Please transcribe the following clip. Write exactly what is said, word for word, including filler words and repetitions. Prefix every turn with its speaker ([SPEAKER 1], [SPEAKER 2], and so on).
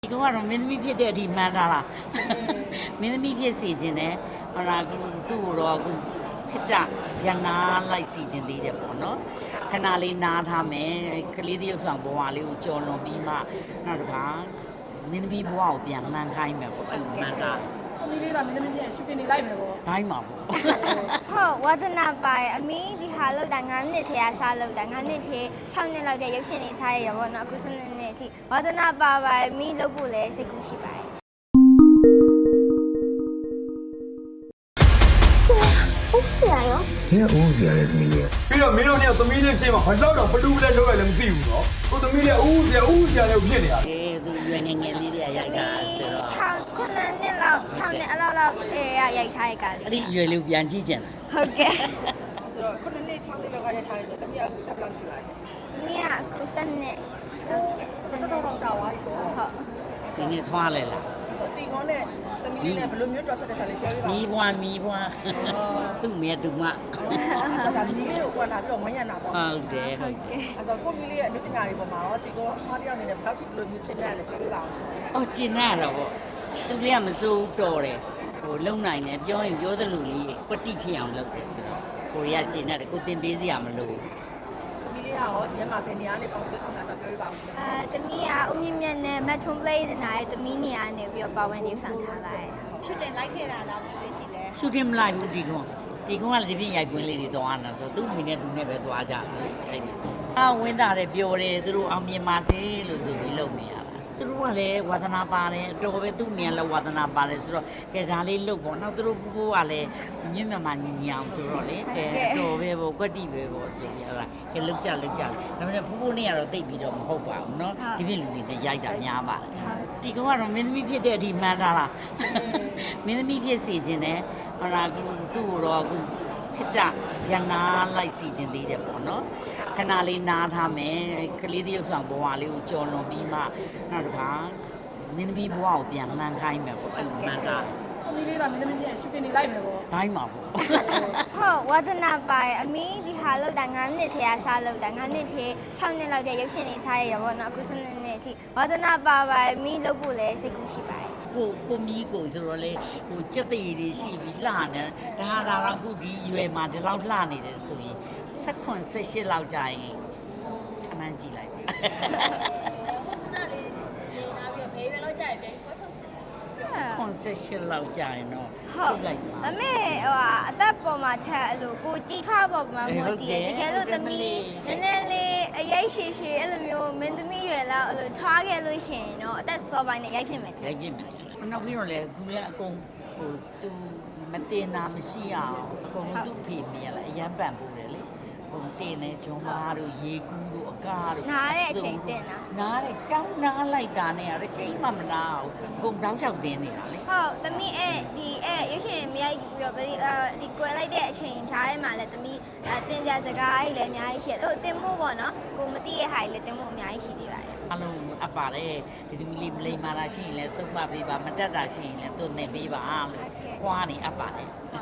[SPEAKER 1] ဒီကောင်ကတော့မင်းသမီးဖြစ်တဲ့အထိမှန်းထားလားမင်းသမီးဖြစ်စီခြင်းနဲ့ဟောလားသူ့ကိုတော့အခုခစ်တရနာလိုက်စီခြင်းသေးတယ်ပေါ့နော်ခဏလေးနားထားမယ်ကလေးတယောက်ဆောင်ဘဝလေးကိုကြော်လွန်ပြီးမှနောက်တစ်ခါမင်းသမီးဘဝကိုပြန်လှမ်းခိုင်းမယ်ပေါ့အဲ့လိုမှန်းထား
[SPEAKER 2] သမီးလေးကမင်းသမီးပြန်ရှူတင်နေလိုက်မယ်ပေါ့
[SPEAKER 1] တိုင်းမှာပေါ့
[SPEAKER 3] ဟုတ်ဝါသနာပါရအမီးဒီဟာလောက်တာငါးနှစ်ထဲကစားလောက်တာငါးနှစ်ထဲ၆နှစ်လောက်တဲ့ရုပ်ရှင်တွေစားရရပေါ့နော်အခုစနေနေ့အထိဝါသနာပါပါအမီးလုပ်ဖို့လည်းစိတ်ကူးရှိပါတယ်ဟုတ်ဆရာရော
[SPEAKER 4] ဘယ်ဦးစရာလဲသမီးလေး
[SPEAKER 5] ပြီးတော့မင်းတို့เนี่ยသမီးလေးရှင်းမှာဘာလို့တော့ဘလူးလဲလောက်ရလဲမသိဘူးနော်ကိုသမီးလေးဦးစရာဦးစရာလည်းဖြစ်နေတာ
[SPEAKER 1] အေးသူရွယ်ငယ်ငယ်လေးတွေကရိုက်တာဆိုတော့
[SPEAKER 3] ၆ခုနှစ်လောက်၆နှစ်အလောက်လောက်အေးရိုက်ထားရကြတယ်
[SPEAKER 1] အဲ့ဒီရွယ်လေးပြန်ကြည့်ကြင်လား
[SPEAKER 3] ဟုတ်ကဲ့
[SPEAKER 2] ဆိုတော့ခုနှစ်နှစ်၆နှစ်လောက်ကရိုက်ထားရဆိုသမီးကအခုတက်လောက်ရှိပါလေ
[SPEAKER 3] သမီးကခုစနေဟုတ်ကဲ့စနေ
[SPEAKER 2] တော့ကြာသွားပြီပေါ့
[SPEAKER 3] ဟုတ်
[SPEAKER 1] ဒီနေ့ထွားလဲလား
[SPEAKER 2] ဆိုတီကောနဲ့သမီးလေးနဲ့ဘယ်လိုမျိုးတော်ဆက်တဲ့ဆာလေးပြောပြပါ
[SPEAKER 1] မီးဘွားမီးဘွားသူ့မေသူမ
[SPEAKER 2] အဲ့ဒါမီးလေးကိုကွာလာပြီးတော့မညံ့တာပေါ့
[SPEAKER 1] ဟုတ်တယ်ဟုတ်တယ်
[SPEAKER 2] အဲ့ဆိုကိုမီးလေးရဲ့အနုပညာတွေပေါ်မှာတော့ဒီကောအမားတယောက်အနေနဲ့ဘယ်လောက်ထိဘယ်လိုမျိုးချစ်တယ်လဲပြောပြပါအောင်ရှင်
[SPEAKER 1] အော်ကျင်ရတော့ပေါ့သူလေးကမစိုးတော်တယ်ဟိုလုံနိုင်တယ်ပြောရင်ပြောသလိုလေးကွတိဖြစ်အောင်လုပ်တယ်ဆိုတော့ကိုရီးယားကျင်ရတယ်ကိုတင်ပေးစရာမလို
[SPEAKER 2] သမီးလေးကရောဒီမှာဘယ်နေရာနေပေါ့သက်ဆောင်တာပြောပြပါအောင်ရှင်
[SPEAKER 3] အဲသမီးကအုံမြင့်မြတ်နဲ့မတ်ထွန်ပလေးနာရဲ့သမီးနေရာနေပြီးတော့ပါဝင်နေဆောင်ထားပါတယ်ရှူတင်လိုက်ခဲ့တာလားမသိရှိလဲ
[SPEAKER 1] ရှူတင်မလိုက်ဘူးဒီကောင်ဒီကောင်ကလည်းဒီပြင်ရိုက်ပွင့်လေးတွေသွားနေတာဆိုသူ့မိနဲ့သူနဲ့ပဲသွားကြတယ်အဲ့ဒီအာဝင်းတာတယ်ပြောတယ်သူတို့အောင်မြင်ပါစေလို့ဆိုပြီးလုပ်နေရတာသူတို့ကလည်းဝါသနာပါတယ်အတော်ပဲသူ့မြန်လည်းဝါသနာပါတယ်ဆိုတော့ကဲဒါလေးလုပ်ပေါ့နောက်သူတို့ကိုကလည်းမြင့်မြတ်မှညီညီအောင်ဆိုတော့လေကဲအတော်ပဲပေါ့ကွက်တိပဲပေါ့ဆိုပြီးအဲ့ဒါကဲလုတ်ကြလုတ်ကြဒါပေမဲ့ဖူးဖူးနဲ့ကတော့တိတ်ပြီးတော့မဟုတ်ပါဘူးเนาะဒီပြင်လူတွေနဲ့ရိုက်တာများပါတယ်ဒီကောင်ကတော့မင်းသမီးဖြစ်တဲ့အထိမှန်းထားလားမင်းသမီးဖြစ်စီခြင်းနဲ့ဟောလားသူ့ကိုတော့အခုခစ်တရနာလိုက်စီခြင်းသေးတယ်ပေါ့နော်ခဏလေးနားထားမယ်ကလေးတယောက်ဆောင်ဘဝလေးကိုကြော်လွန်ပြီးမှနောက်တစ်ခါမင်းသမီးဘဝကိုပြန်လှမ်းခိုင်းမယ်ပေါ့အဲ့လိုမှန်းထား
[SPEAKER 2] သမီးလေးကမင်းသမီးပြန်ရှူတင်နေလိုက်မယ်ပေါ့
[SPEAKER 1] တိုင်းမှာပေါ့
[SPEAKER 3] ဟုတ်ဝါသနာပါရအမီးဒီဟာလောက်တာငါးနှစ်ထဲကစားလောက်တာငါးနှစ်ထဲ၆နှစ်လောက်တဲ့ရုပ်ရှင်တွေစားရရပေါ့နော်အခုစနေနေ့အထိဝါသနာပါပါအမီးလုပ်ဖို့လည်းစိတ်ကူးရှိပါတယ်
[SPEAKER 1] ကိုကိုမီးကိုဆိုတော့လေဟိုစက်တည်တွေရှိပြီးလှနေဒါဟာဒါတော့အခုဒီရွယ်မှာဒီလောက်လှနေတယ်ဆိုရင်၁၇ ၁၈လောက်ကြာရင်ခဏကြည့်လိုက်ကွန်ဆက်ရှင်လောက်ကြာရင်တော့ထုတ်လိုက်ပါ
[SPEAKER 3] အမေဟိုအသက်ပေါ်မှာချက်အဲ့လိုကိုကြည်ထားပေါ်မှာမို့ကြည့်တကယ်လို့သမီးနည်းနည်းလေးအရိုက်ရှည်ရှည်အဲ့လိုမျိုးမင်းသမီးရွယ်လောက်အဲ့လိုထွားခဲ့လို့ရှိရင်တော့အသက်စောပိုင်းနဲ့ရိုက်ဖြစ်မယ်
[SPEAKER 1] ရိုက်ဖြစ်မယ်နောက်ပြီးတော့လေခုလည်းအကုန်ဟိုသူမတင်တာမရှိအောင်အကုန်လုံးသူ့ဖေမြင်ရလားအရန်ပန်ပို့တယ်လေဟိုတင်နေဂျွန်မာတို့ရေကူးတို့အကားတို့
[SPEAKER 3] နားတဲ့အချိန်တင်တာ
[SPEAKER 1] နားတဲ့ကြောင်းနားလိုက်တာနဲ့အချိန်မှမနာအောင်အကုန်တောင်းလျှောက်တင်းနေတာလေ
[SPEAKER 3] ဟုတ်သမီးအဲ့ဒီအဲ့ရွှေရှင်မရိုက်ပြီးတော့ဒီကွယ်လိုက်တဲ့အချိန်ထားထဲမှာလည်းသမီးတင်ကြစကားကြီးလည်းအများကြီးရှိတယ်ဟိုတင်ဖို့ပေါ့နော်ကိုမသိရဲ့ဟာကြီးလည်းတင်ဖို့အများကြီးရှိသေးပါတယ်
[SPEAKER 1] အလုံးအပ်ပါတယ်ဒီသမီးလေးမလိမ္မာတာရှိရင်လည်းစုံမပေးပါမတက်တာရှိရင်လည်းသူ့နေပေးပါလို့ခွာနေအပ်ပါတယ်